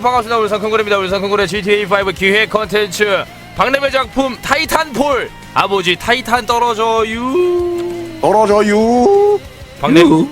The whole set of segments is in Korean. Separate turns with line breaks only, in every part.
반갑습니다. 울산콩고래입니다. 울산콩고래 GTA5 기획 컨텐츠 박래의 작품 타이탄폴. 아버지 타이탄 떨어져요. 박냄.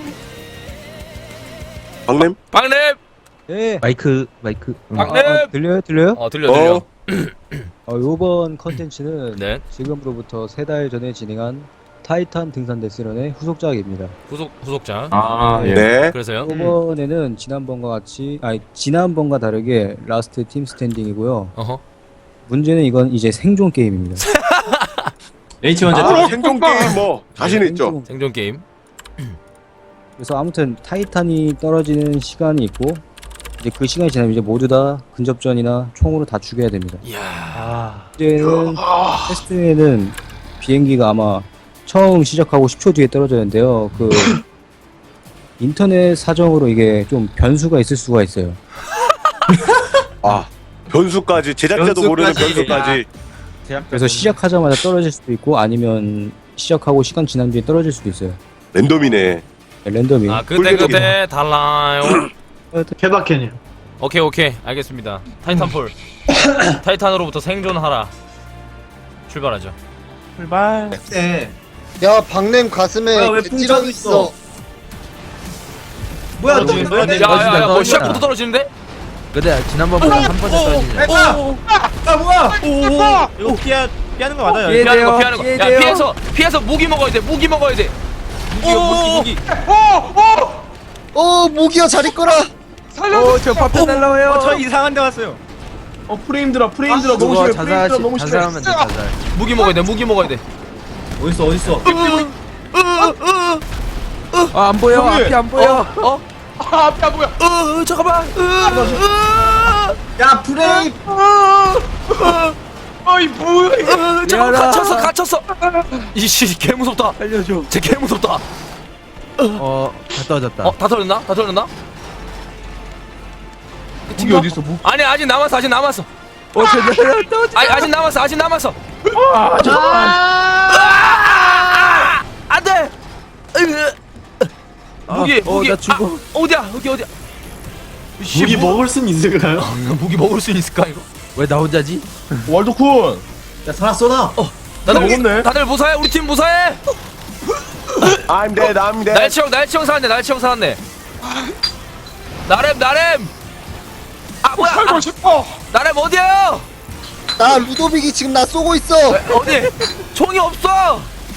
예.
마이크.
박냄.
들려요?
들려.
요번 컨텐츠는
네.
지금으로부터 3달 전에 진행한 타이탄 등산 데스런의 후속작입니다.
후속자.
네.
그래서요.
이번에는 지난번과 다르게 라스트 팀 스탠딩이고요.
어허.
문제는 이건 이제 생존 게임입니다.
H 먼저
생존 게임 뭐 자신 있죠.
생존 게임.
그래서 아무튼 타이탄이 떨어지는 시간이 있고 이제 그 시간이 지나면 이제 모두 다 근접전이나 총으로 다 죽여야 됩니다.
이야.
문제는 테스트에는 비행기가 아마 처음 시작하고 10초 뒤에 떨어졌는데요. 그 인터넷 사정으로 이게 좀 변수가 있을 수가 있어요.
아, 변수까지 제작자도 모르는 변수까지.
그래서 시작하자마자 떨어질 수도 있고 아니면 시작하고 시간 지난 뒤에 떨어질 수도 있어요.
랜덤이네.
네, 랜덤이.
아 그때 달라요.
케바켄이요.
오케이 알겠습니다. 타이탄폴. 타이탄으로부터 생존하라. 출발하죠.
출발.
네.
야 박냄 가슴에
왜
찌렁이
뿡
있어.
뭐야 또
야야야 뭐 시작부터 떨어지는데?
근데 지난번보다 한 번에 떨어지네.
뭐야? 이거 피하는 거 맞아요?
피하는 거. 야 피해서 무기 먹어야 돼. 무기. 무기.
무기야 잘 있거라.
저 파편 날라와요.
저 이상한 데 왔어요. 프레임 들어 너무
그거
심해. 너무 심해.
자살하면 돼. 자살.
무기 먹어야 돼.
어딨어?
안 보여. 앞이 안 보여.
앞에 안 보여. 잠깐만.
야 프레임.
잠깐만 갇혔어. 이씨 개 무섭다.
살려줘.
쟤 개 무섭다.
다 떨어졌다.
다 털렸나?
무기 어디 있어? 무기.
아니 아직 남았어. 아직 남았어. 안돼. 무기.
나 죽어.
어디야?
무기 먹을 순 있을까요?
무기 먹을 수 있을까 이거?
왜 나 혼자지?
월드쿤. 야 살았어 나.
다들 무사해. 우리 팀 무사해.
I'm dead.
날치형 살았네. 나렘. 아 뭐야? 살고 싶어. 나렘 어디야?
나 루도빅이 지금 나 쏘고 있어.
어디? 총이 없어.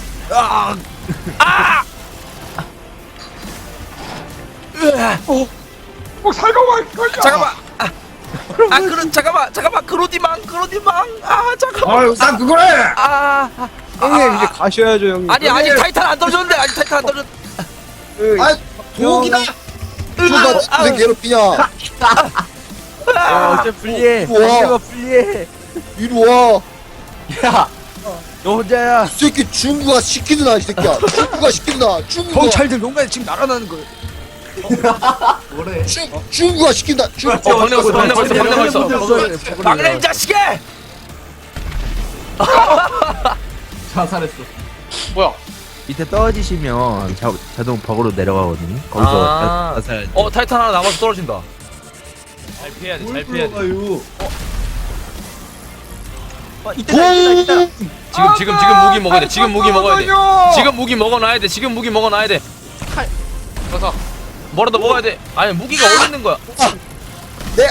살고 갈 거야.
잠깐만. 그로디망. 잠깐만.
난 그거래.
형님 이제 가셔야죠 형님.
아니 아직 타이탄 안 떨어졌는데.
아 도기다. 누가 지금 괴롭히냐?
어째 불리해.
우와.
상대가 불리해.
이리 와.
너 혼자야.
이 새끼 중구가 시키드나 이 새끼야. 중구가.
경찰들 농간에 지금 날아나는 거야.
중구가 시킨다.
방금 있어. 막내 자식이.
자살했어.
밑에 떨어지시면 자동 벽으로 내려가거든요. 거기서 자살.
타이탄 하나 남아서 떨어진다. 잘 피해야 돼. 지금 무기 먹어야 돼. 지금 무기 먹어놔야 돼. 가서 뭐라도 먹어야 돼. 아니 무기가 어디 있는 거야?
네.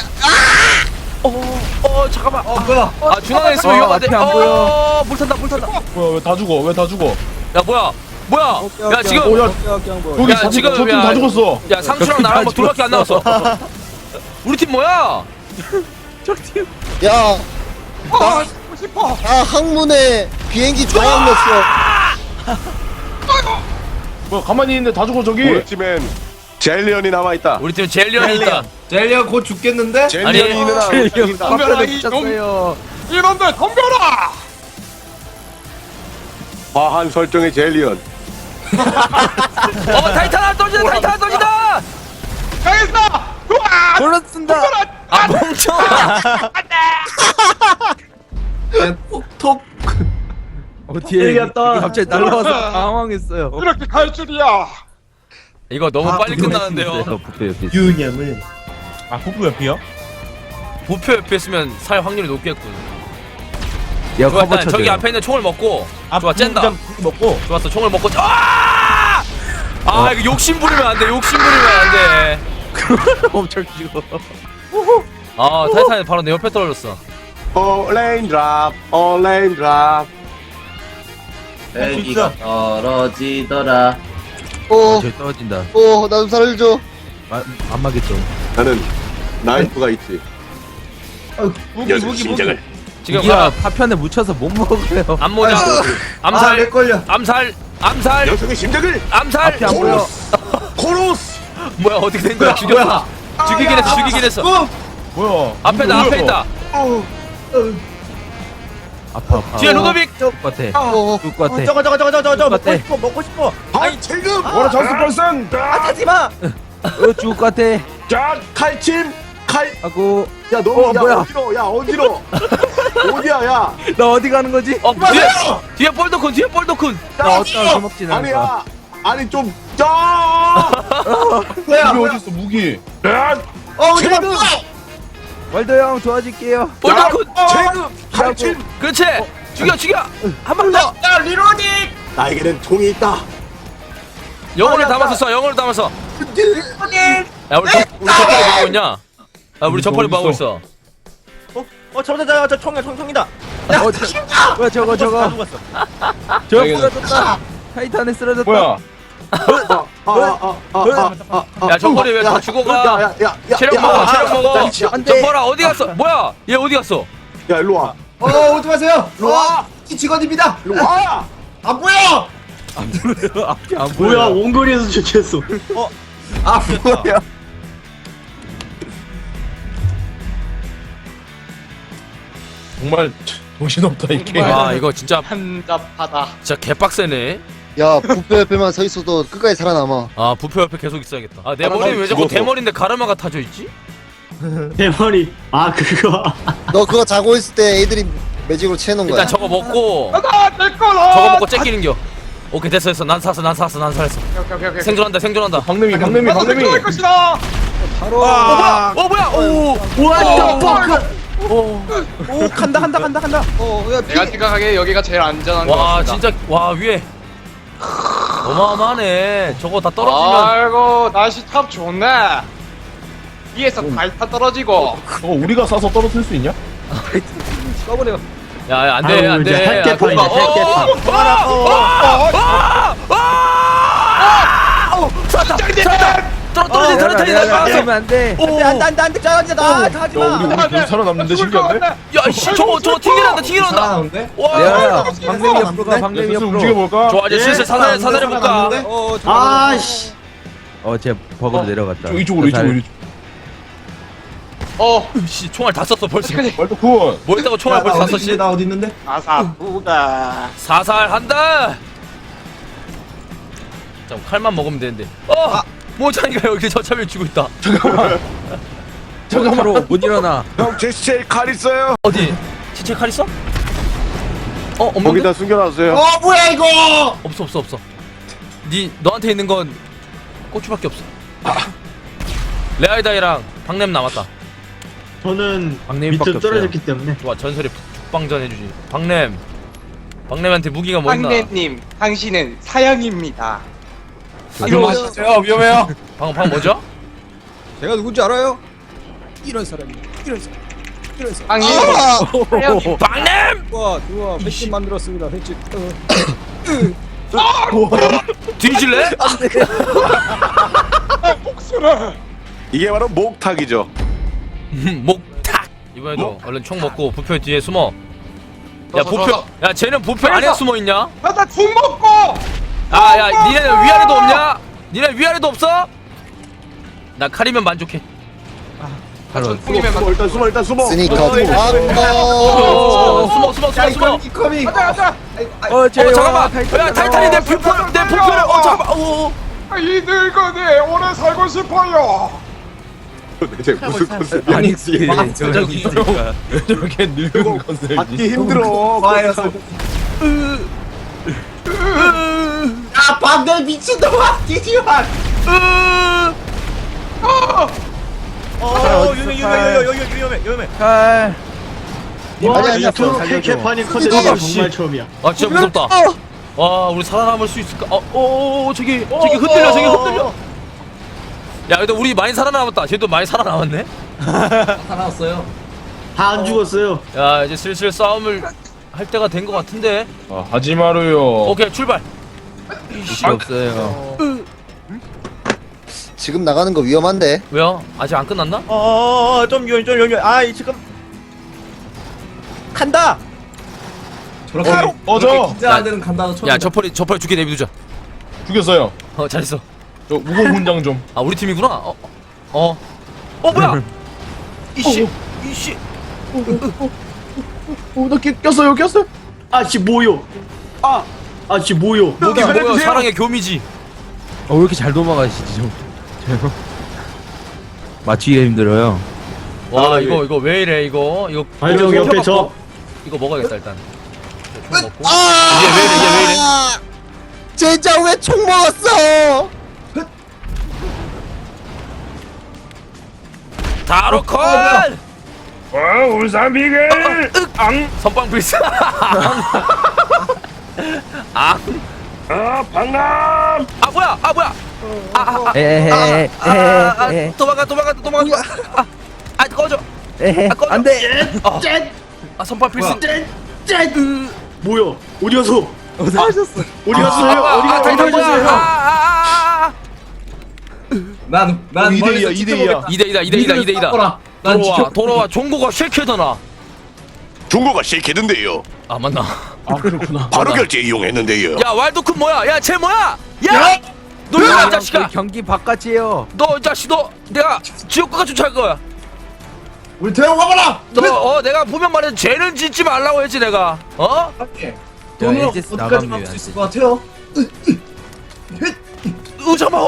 잠깐만.
뭐야?
중앙에 있으면 위험한데.
앞에 안 보여.
물 탄다.
뭐야 왜 다 죽어?
야 뭐야? 야 지금
여기
야, 지금
저팀
야,
다 죽었어.
야 상추랑 나랑 뭐 둘밖에 안 남았어. 우리 팀 뭐야?
야. 나 항문에 비행기 조각 넣었어.
뭐야 가만히 있는데 다 죽어 저기.
우리 팀엔 젤리언이 남아 있다.
우리 팀 젤리언이 있다.
젤리가 곧 죽겠는데?
젤리언이 있는 한
덤벼라 미쳤어요.
이놈들 덤벼라.
과한 설정의 젤리언.
타이탄 하나 떨어진다.
골랐습니다.
아 멍청아.
톡.
뒤에
이겼다.
갑자기 날라와서 당황했어요.
이렇게 갈 줄이야. 이거 너무 빨리 끝나는데요.
부패 옆에 있어요.
유념을. 아 폭부 옆이요?
부표 옆에 있으면 살 확률이 높겠군.
야
좋아,
커버
일단
쳐줘.
저기 앞에 있는 총을 먹고. 좋아, 쨘다.
먹고.
좋았어, 총을 먹고. 이거 욕심 부리면 안 돼. 욕심 부리면 안 돼.
엄청 죽어.
타이탄이 바로 내 옆에 떨어졌어.
레인드랍 레인드랍.
헬기가
떨어지더라.
저기 떨어진다.
나 좀 살려줘.
안 맞겠죠.
나는 나이프가 있지.
무기.
지금
이가 파편에 묻혀서 못 먹어요.
암모자, 암살, 암살,
녀석의 심장을
암살.
앞이 안 보여.
코로스.
뭐야, 어떻게 된 거야? 죽였어. 죽이긴 했어.
뭐야?
앞에 있다.
아파.
뒤에 루도빅.
죽을 것 같아. 죽을 것 같아.
저거
같아.
먹고 싶어.
아이 지금.
뭐라 장수 벌슨.
하지 마. 죽을 것 같아.
자 칼침 칼.
하고.
야 너
뭐야?
어디로? 야 어디로? 어디야 야?
나 어디 가는 거지?
뒤에 볼더쿤.
나 어디가 술 먹진 않을 거야.
아니야. 아니 좀. 야.
뭐야? 무기 어딨어 무기?
지금.
월더 형 도와줄게요.
볼더쿤.
지금. 칼침.
그렇지. 죽여. 한 방 더.
나에게는 총이 있다.
영혼을 담아서 쏴. 야, 우리 저펄이 뭐하고 있냐? 우리 저펄이 뭐하고 있어?
저 총이다.
뭐야 저거. 저거 쓰러졌다. 타이탄에 쓰러졌다.
뭐야?
야, 저펄이 왜 다 죽어가? 체력 먹어. 저펄아 어디 갔어? 뭐야? 얘 어디 갔어?
야 일로 와.
오지 마세요.
일로 와.
직원입니다.
일로 와.
안 보여.
앞이 안 보여.
원거리에서 좋겠어.
뭐야?
정말 정신없다 이 게임.
와, 이거 진짜
한잡하다.
개빡세네.
야 부페 옆에만 서 있어도 끝까지 살아남아.
부표 옆에 계속 있어야겠다. 내 머리는 왜 자꾸
죽어서.
대머리인데 가르마가 타져 있지?
대머리. 아 그거.
너 그거 자고 있을 때 애들이 매직으로 채놓은 거야.
일단 저거 먹고 저거 먹고 째끼는겨. 오케이, 됐어. 난 살았어. 생존한다.
박내미.
바로.
뭐야?
오 간다.
야
내가 생각하기에 여기가 제일 안전한 것
와,
같습니다.
진짜 위에 어마어마하네. 저거 다 떨어지면
아이고 날씨 참 좋네. 위에서 달타 떨어지고.
우리가 싸서 떨어뜨릴 수 있냐?
야, 안돼. 떨어진 타이탄이 날아갔어.
안돼.
야 우리 살아남는데 신기한데?
야, 씨, 저거 튀겨난다. 와,
야 방맹이 옆으로 가. 방맹이
슬슬
옆으로.
움직여볼까?
좋아, 이제 슬슬 사살해 볼까?
아씨.
쟤 버그로 내려갔다.
이쪽으로.
씨, 총알 다 썼어 벌써.
말도쿤.
뭐 했다고 총알 벌써 다 썼지?
나 어디 있는데?
아사부가.
사살한다. 자, 칼만 먹으면 되는데. 모찬이가 여기 저참을 쥐고 있다.
잠깐만. 못 일어나.
형 제시체에 칼 있어요.
어디? 지체 칼 있어? 없는데?
거기다 숨겨놨어요.
뭐야 이거?
없어. 너한테 있는 건 고추밖에 없어. 레아이다이랑 박냄 남았다.
저는
박내미밖에
밑으로
없어요.
떨어졌기 때문에.
좋아, 전설의 북방전 해주지. 박냄한테 무기가 뭐 있나?
황내님, 당신은 사형입니다.
위험해요.
방금 뭐죠?
제가 누군지 알아요?
황님, 사형입니다.
박냄!
좋아. 횟집 만들었습니다. 횟집.
뒤질래?
이게 바로 목탁이죠.
목탁! 이번에도 얼른 총 먹고 부표 뒤에 숨어. 야, 부표. 야, 쟤는 부표 안에 숨어 있냐?
나총 먹고.
야, 니네는 위아래도 없냐? 니네 위아래도 없어? 나 칼이면 만족해.
바로.
일단 숨어.
스니커.
숨어.
쟤
잠깐만. 야, 타이탄이 내 부표를 잠깐만.
이 늙은이 오래 살고 싶어요.
대체 무슨 컨셉이야?
아니 저기 있으니까.
저렇게 늙은 컨셉이지.
받기 힘들어.
야 박내 미친놈아! 뒤지마!
위험해. 칼.
아니야.
개판인 컨텐츠 정말 처음이야.
아 진짜 무섭다. 와 우리 살아남을 수 있을까? 저기 흔들려 저기 흔들려. 야 근데 우리 많이 살아남았다. 쟤도 많이 살아남았네.
다 안 죽었어요.
야 이제 슬슬 싸움을 할 때가 된 것 같은데.
하지 마루요.
오케이 출발. 이씨
없어요.
지금 나가는 거 위험한데.
왜요? 아직 안 끝났나?
좀 지금 간다.
저렇게
어저
긴장하는 간다고 처음.
야 저펄이 죽게 내비두자.
죽였어요.
잘했어.
저 무공 훈장 좀.
아 우리 팀이구나. 뭐야? 이씨.
나 꼈어요. 아씨 뭐요? 아씨 뭐요?
목이 뭐야? 사랑의 교미지.
왜 이렇게 잘 도망가시지 좀. 맞추기가 힘들어요.
와 이거 왜 이래 이거
발정 옆에 저.
이거 먹어야겠다 일단. 총 먹고.
아!
이게 왜 이래?
젠장 왜 총 먹었어?
다로콜.
울산 비글.
선빵 불사.
방남.
뭐야?
에헤헤.
도망가. 꺼져. 꺼져.
안돼.
선빵 필수.
뭐야? 어디 갔어?
어디 가셨어?
어디 갔어요? 어디 갔어요?
난
2대2야
2대2다. 돌아와. 종고가 쉐케더나.
중고가 실키던데요.
아 맞나?
그렇구나.
바로 결제 이용했는데요.
야 왈도쿤 뭐야? 야 쟤 뭐야? 야! 너 이거 이 자식아!
경기 바깥이에요.
너 이 자식 너 내가 지옥까지 쫓아갈 거야.
우리 대형 와봐라.
너 내가 분명 말해서 죄는 짓지 말라고 했지 내가.
저 에이제스 나갑니다.
것 같아요?
잠깐만.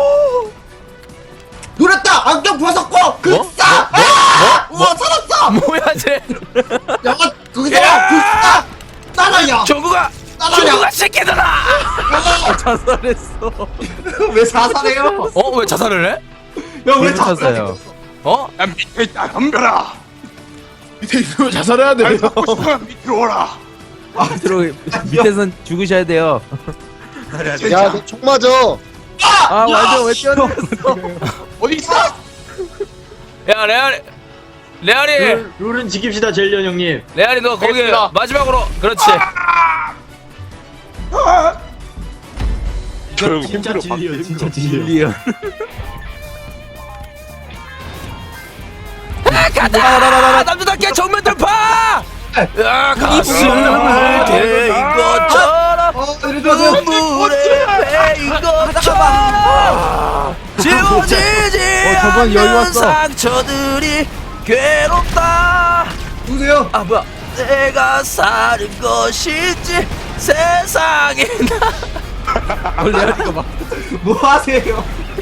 노렸다. 안경 벗었고. 우와 살았어.
뭐야 쟤?
야 거기서 나라야.
정구가 새끼들아.
자살했어.
왜 사살해요?
왜 자살을 해?
야왜
쳤어요.
야 밑에 있다 덤벼라.
밑에 있으면 자살해야 돼.
밑으로 오라.
밑으로 밑에선 죽으셔야 돼요.
야, 너 총 맞아.
완전 왜 뛰어냈어?
어디 있어?
야 레알이
룰은 지킵시다 젤리언 형님.
레알이 너 거기
알겠습니다.
마지막으로 그렇지.
진짜 진리요. 진짜 진리요.
리얼.
가자! 남자답게 정면 돌파! 야 가슴을 대인 것처럼 눈물에 베인 것처럼 지워지지
저번 여유
않는
왔어.
상처들이 괴롭다.
누구세요?
뭐야 내가 사는 것이지 세상에
원래 하니까 막.
뭐 하세요?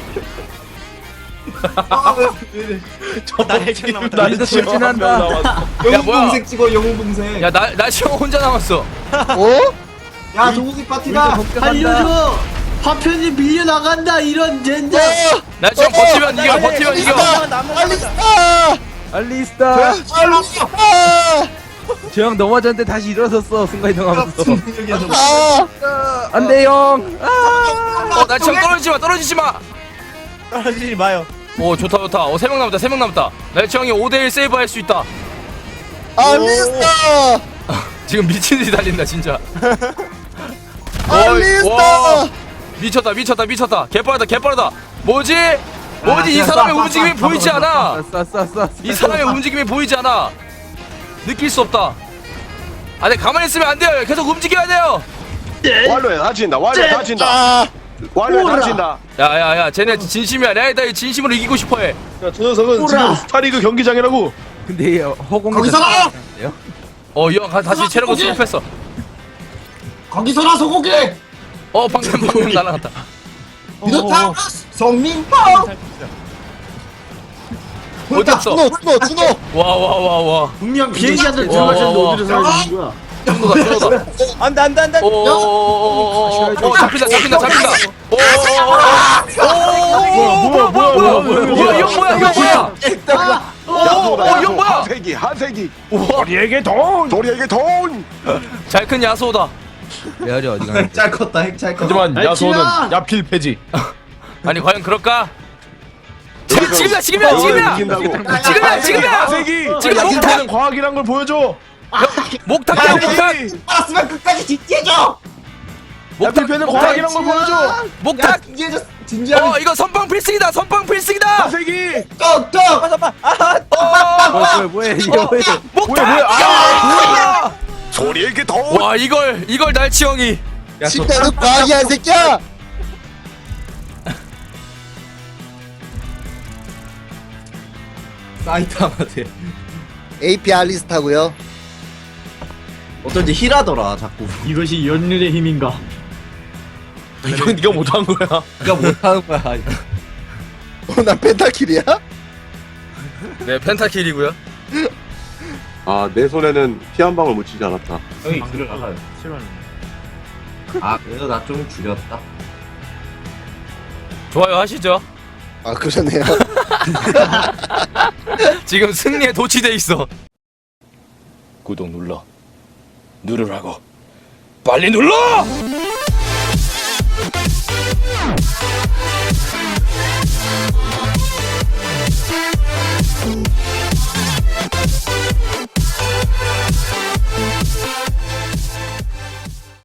나 해창
나도 돌진한다.
야, 뭐야?
동생 찍어 영웅 동생.
야나 지금 혼자 남았어.
어?
야 동욱이 파티다. 알려줘. 파편이 밀려 나간다 이런 젠장.
나 지금 버티면 이겨 버티면 이겨.
알리스타!
알리스타.
알리스타!
저 형 넘어졌는데 다시 일어섰어. 순간이동하면서.
아!
안돼 형.
나 지금 떨어지지 마.
떨어지지 마요.
오 좋다 3명 남았다. 나 지금 5대1 세이브 할 수 있다.
알리스타!
지금 미친 듯이 달린다 진짜.
알리스타!
미쳤다. 개빠르다. 뭐지 이 사람의 움직임이 보이지 않아. 이 사람의 움직임이 보이지 않아. 느낄 수 없다. 네 가만히 있으면 안 돼요. 계속 움직여야 돼요.
완료에 다친다. 완료에 다친다.
야야야 쟤네 진심이야. 내가 이 진심으로 이기고 싶어해.
야, 저 녀석은 지금 스타리그 경기장이라고.
근데 허공에
거기서 나!
이 형 다시 체력을 수급했어.
거기서 나 소고기.
방금 날아갔다.
미도타 성민파.
어디 없어?
준호!
와.
분명 비행기 한대
와,
들어가셨는데
와,
어디서 사는 거야?
쏜다.
안돼.
잡힌다.
뭐야?
이 형 뭐야 이거 뭐야?
야소다
이거 뭐야?
한세기 한세기
우리에게 돈.
도리에게 돈
잘 큰 야소다.
메아리 어디 가냐?
짤 컸다 핵잘 컸다.
하지만 야소는
날치야!
야필 폐지.
아니 과연 그럴까? 지금이야 지금이야 지금이야 지금이야
한세기.
지금
야필
목탁
폐는 과학이란 걸 보여줘.
목탁이야 목탁
알았으면 끝까지 진지해줘.
야필 폐는 과학이란 걸 보여줘.
목탁.
진지해줘. 진지하게.
이거 선빵 필승이다 선빵 필승이다.
한세기.
떡떡.
뭐야 이게 뭐야?
목탁.
도리에게 돈
와 이걸 날치 형이.
식단은 과학이야 이 새끼야.
사이타마대.
AP 알리스타고요.
어쩐지 힐하더라 자꾸. 이것이 연륜의 힘인가?
이건 네가 못한 거야.
네가 못하는 거야.
나 펜타킬이야?
네 펜타킬이고요.
아 내 손에는 피 한 방울 묻히지 않았다
형이 길을 나가요. 싫어하는.
아 그래도 나 좀 줄였다.
좋아요 하시죠.
아 그러네요.
지금 승리에 도취돼 있어.
구독 눌러. 누르라고. 빨리 눌러.